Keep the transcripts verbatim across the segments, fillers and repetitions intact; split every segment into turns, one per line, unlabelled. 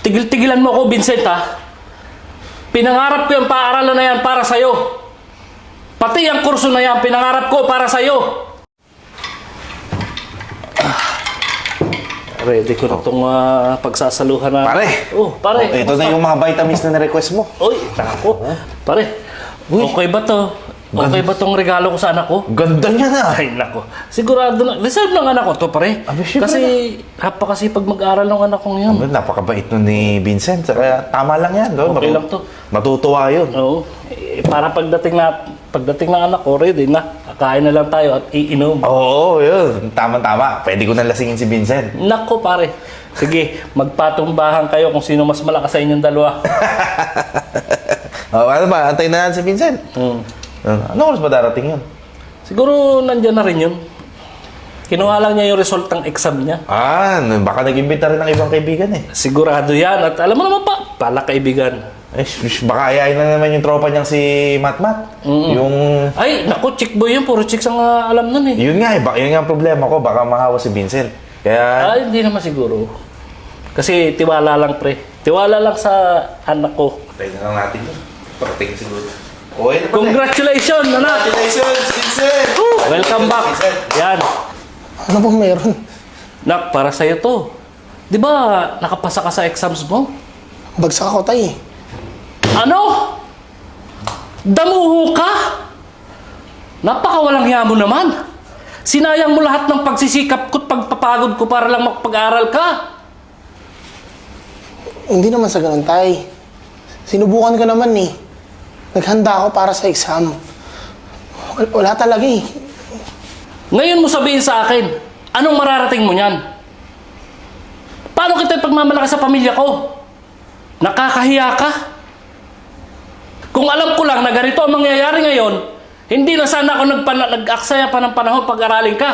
Tigil-tigilan mo ako, Vincent, ha? Pinangarap ko yung paaralan na yan para sa'yo. Pati ang kurso na yan, pinangarap ko para sa'yo. Ah, ready ko na itong uh, pagsasaluhan na...
Pare!
Oh, pare.
Oh, ito na yung mga vitamins na na-request mo.
Uy, tako. Pare, okay ba to? Okay ba tong regalo ko sa anak ko?
Ganda niya na!
Ay, nako. Sigurado na. Reserve ng anak ko to, pare.
Abi, syempre
Kasi, napakasipag mag-aral ng anak kong yun.
Aba, napakabait nun ni Vincent. Kaya tama lang yan. Doon.
Okay
Matu-
lang to.
Matutuwa yun.
Oo. Eh, para pagdating na, pagdating ng anak ko, ready na. Kakain na lang tayo at iinom.
Oo, yun. Tama-tama. Pwede ko na lasingin si Vincent.
Nako, pare. Sige, magpatumbahan kayo kung sino mas malakas sa inyong dalawa.
Oh, ano ba? Antayin na natin si Vincent.
Hmm.
Ano oras ba darating yun?
Siguro nandyan na rin yun. Kinuha lang niya yung result ng exam niya.
Ah, baka nag-imbita rin ng ibang kaibigan eh.
Sigurado yan. At alam mo naman pa, pala kaibigan.
Eh, sh- baka ayayin na naman yung tropa niyang si Matmat.
Mm-mm.
Yung...
Ay, naku, chick boy yun. Puro chicks ang uh, alam nun eh.
Yun nga eh. Baka, yun nga ang problema ko. Baka mahawa si Vincent. Kaya...
Ay, hindi naman siguro. Kasi tiwala lang, pre. Tiwala lang sa anak ko.
Tayo na lang natin yun. Parating siguro. Okay na pala.
Congratulations, anak!
Congratulations, Vincent!
Woo! Welcome back.
Vincent.
Yan.
Ano bang meron?
Nak, para sa'yo to. Di ba nakapasa ka sa exams mo?
Bagsak ako, tay.
Ano? Damuho ka? Napakawalang hiya mo naman. Sinayang mo lahat ng pagsisikap ko at pagpapagod ko para lang makapag-aral ka.
Hindi naman sa ganun, tay. Sinubukan ko naman eh. Naghanda ako para sa exam. Wal- Wala talaga eh.
Ngayon mo sabihin sa akin, anong mararating mo niyan? Paano kita ipagmamalaki sa pamilya ko? Nakakahiya ka? Kung alam ko lang na ganito ang mangyayari ngayon, hindi na sana ako nagpana- nag-aksaya pa ng panahon pag-aralin ka.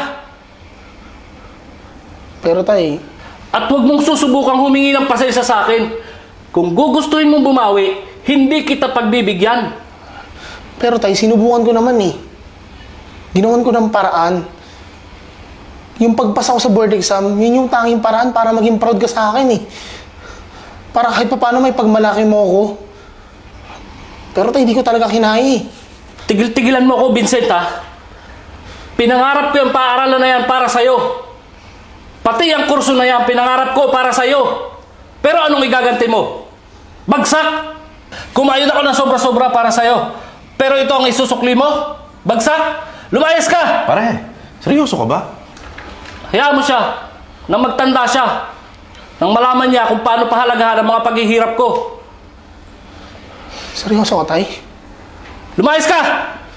Pero tay,
At huwag mong susubukang humingi ng pasensya sa akin. Kung gugustuhin mong bumawi, hindi kita pagbibigyan.
pero tay, sinubukan ko naman eh. Ginawan ko ng paraan. Yung pagpasa ko sa board exam, yun yung tanging paraan para maging proud ka sa akin eh. Para kahit pa paano may pagmalaki mo ako. Pero tay, hindi ko talaga kinaya eh.
Tigil-tigilan mo ako, Vincent, ha? Pinangarap ko yung paaralan na yan para sa'yo. Pati ang kurso na yan, pinangarap ko para sa'yo. Pero anong igaganti mo? Bagsak! Kumain ako ng sobra-sobra para sa'yo. Pero ito ang isusukli mo? Bagsak! Lumayas ka!
Pare, seryoso ka ba?
Hayaan mo siya. Nang magtanda siya. Nang malaman niya kung paano pahalagahan ang mga paghihirap ko.
Seryoso ka, tay?
Lumayas ka!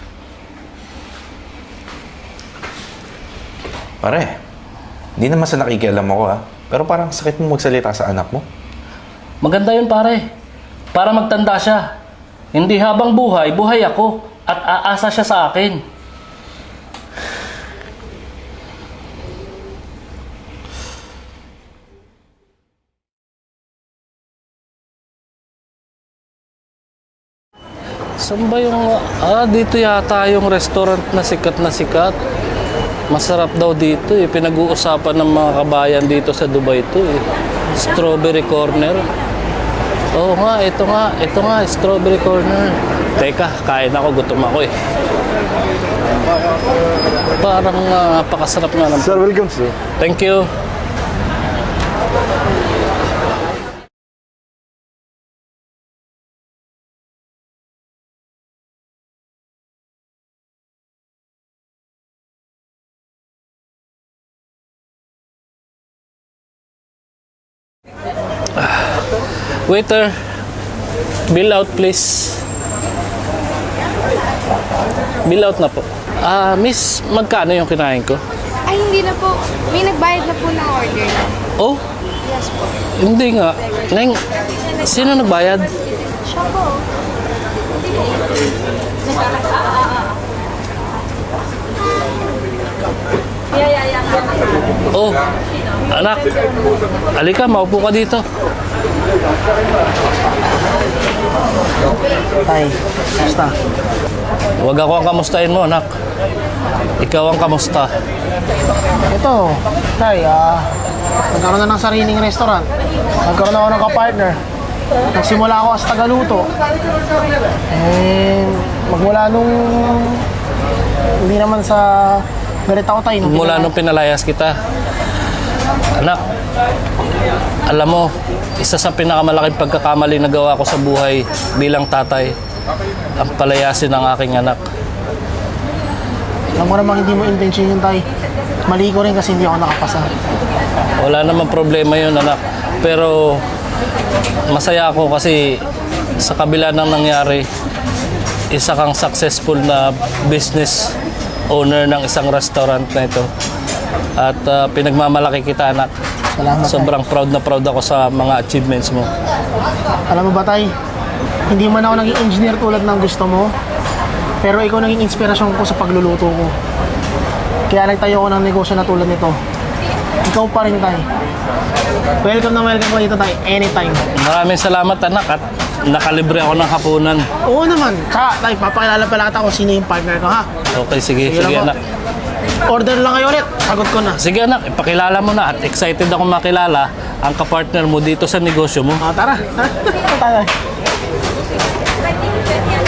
Pare, hindi naman sa nakikialam ako ha. Pero parang sakit mo magsalita sa anak mo.
Maganda yun, pare. Para magtanda siya. Hindi habang buhay, buhay ako. At aasa siya sa akin. Saan ba yung... Ah, dito yata yung restaurant na sikat na sikat. Masarap daw dito eh. Pinag-uusapan ng mga kabayan dito sa Dubai to eh. Strawberry Corner. Oo nga, ito nga. Ito nga, Strawberry Corner. Teka, kain ako. Gutom ako eh. Parang uh, napakasarap nga ng...
Sir, welcome sir.
Thank you. Waiter, bill out please. Bill out na po. Ah, miss, magkano yung kinain ko?
Ay, hindi na po. May nagbayad na po ng order.
Oh,
Yes po.
hindi nga. Neng, sino nagbayad?
Siya po. Yeah, yeah, yeah.
Oh, anak. Alika, maupo ka dito.
Tay, basta.
Huwag ako ang kamustahin mo, anak. Ikaw ang kamusta.
Ito, tay, ah, Nagkaroon na ng sariling restaurant. Nagkaroon ako ng kapartner. Nagsimula ako as tagaluto. And magmula nung hindi naman sa galit ako tayo. nung
Mula
pinag-
nung pinalayas kita. Anak, alam mo, isa sa pinakamalaking pagkakamali na gawa ko sa buhay bilang tatay, ang palayasin ng aking anak.
Alam ko namang hindi mo intention yun tayo. Mali ko rin kasi hindi ako nakapasa.
Wala namang problema yun, anak. Pero masaya ako kasi sa kabila ng nangyari, isa kang successful na business owner ng isang restaurant na ito. At ah, pinagmamalaki kita, anak.
Salamat, tay.
Sobrang proud na proud ako sa mga achievements mo.
Alam mo ba tay, hindi man ako naging engineer tulad ng gusto mo, pero ikaw naging inspirasyon ko sa pagluluto ko. Kaya nagtayo ako ng negosyo na tulad nito. Ikaw pa rin tay. Welcome na welcome ko dito tay, anytime.
Maraming salamat, anak, at nakalibre ako ng hapunan.
Oo naman. Tsaka tay, papakilala pala kita kung sino yung partner ko ha.
Okay, sige,
Sige
sige,
lang po.
anak.
Order lang kayo ulit, sagot ko na.
Sige, anak, ipakilala mo na at excited ako makilala ang kapartner mo dito sa negosyo mo.
Ah, tara, tara. Tara.